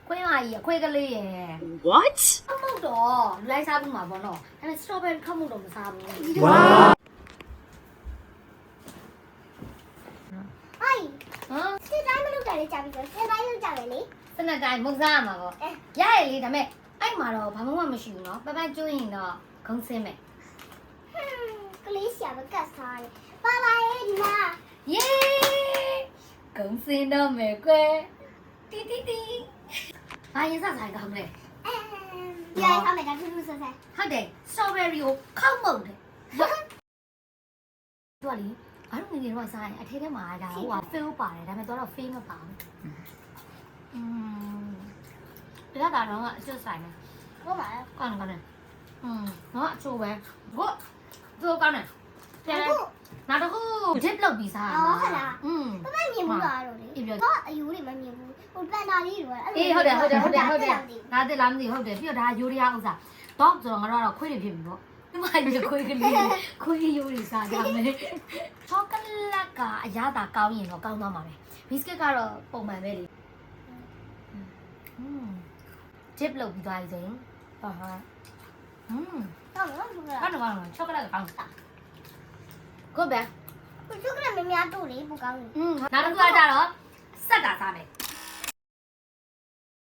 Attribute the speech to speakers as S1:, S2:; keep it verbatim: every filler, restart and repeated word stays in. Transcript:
S1: ခွေးမကြီးအခွေးကလေးရယ်
S2: What?
S1: ခမုတ်တော့လူလိုက်စားဘူးမှာပေါ့နော်ဒါပေမဲ့ strawberry ခမုတ်တော့မစားဘူး
S2: Wow.
S3: ဟိုင်
S1: ဟမ်
S3: စစ်တိုင်းမလုပ်ကြလေကြာပြီဆိုစစ်တိုင်းလုပ်ကြတယ်လေ
S1: စနက်တိုင်းမုတ်စားရမှာပေါ့ရရလေဒါပေမဲ့အဲ့မှာတော့ဘာမှမရှိဘူးနော်ပပကျွင်းရင်တော့ဂုံးစင်းမယ်
S3: ဟမ်ကလေးရှာမကတ်စားတယ်ပါပါရဲ့ဒီမှာ
S1: ယေဂုံးစင်းတော့မယ်ကွယ်တီတီတီဘာရင်စားဆိုင်ကောင်းလဲ
S3: အမ်ရိုက်ထားမယ်ဒါထူးထူးဆန်းဆန်း
S1: ဟုတ်တယ် strawberry ကိုခောက်မုတ်တယ်သူကလေဘာလို့ငငယ်တော့စားရင်အထဲထဲမှာဒါဟိုက fill ပါတယ်ဒါပေမဲ့တော့ fill မပါဘူးอืมဒါကတော့အကျွတ်ဆိုင်တယ်
S3: ဟုတ်ပါလား
S1: ကောင်းတယ်ကောင်းတယ်อืมနော်အချိုးပဲကိုသူကောင်းတယ်ပြန်လဲနောက်တစ်ခု dip လုပ်ပြီးစားရမှာอืม
S3: ပပမြင်ဘူးလားတော့လေ
S1: အေးပြော
S3: ဟောအယူတွေမမြင်ဘူးဟိုပန်တာလေးတွေ
S1: အေးဟုတ်တယ်ဟုတ်တယ်ဟုတ်တယ်ဟုတ်တယ်ဒါတက်လားမသိဟုတ်တယ်ပြီးတော့ဒါယူရီးယားဥစ္စာတော့ဆိုတော့ငါတို့ကတော့ခွေးတွေဖြစ်ပြီပေါ့ဒီမှာဒီခွေးကလေးခွေးယူရီးစားကြမယ်ချောကလက်ကအရသာကောင်းရင်တော့ကောင်းသွားမှာပဲဘီစကစ်ကတော့ပုံမှန်ပဲလေอืม dip လုပ်ပြီးသွားပြီဆိုရင်ဟာဟာอืม
S3: ဟုတ်လားဟုတ်လား
S1: ကောင်းတယ်ကောင်းတယ်ချောကလက်ကကောင်းတာကိုပဲ
S3: သူကလည်းမများတို့လေပူကောင်းတယ်
S1: อืมနောက်တစ်ခုကကြတော့စက်တာစားမယ်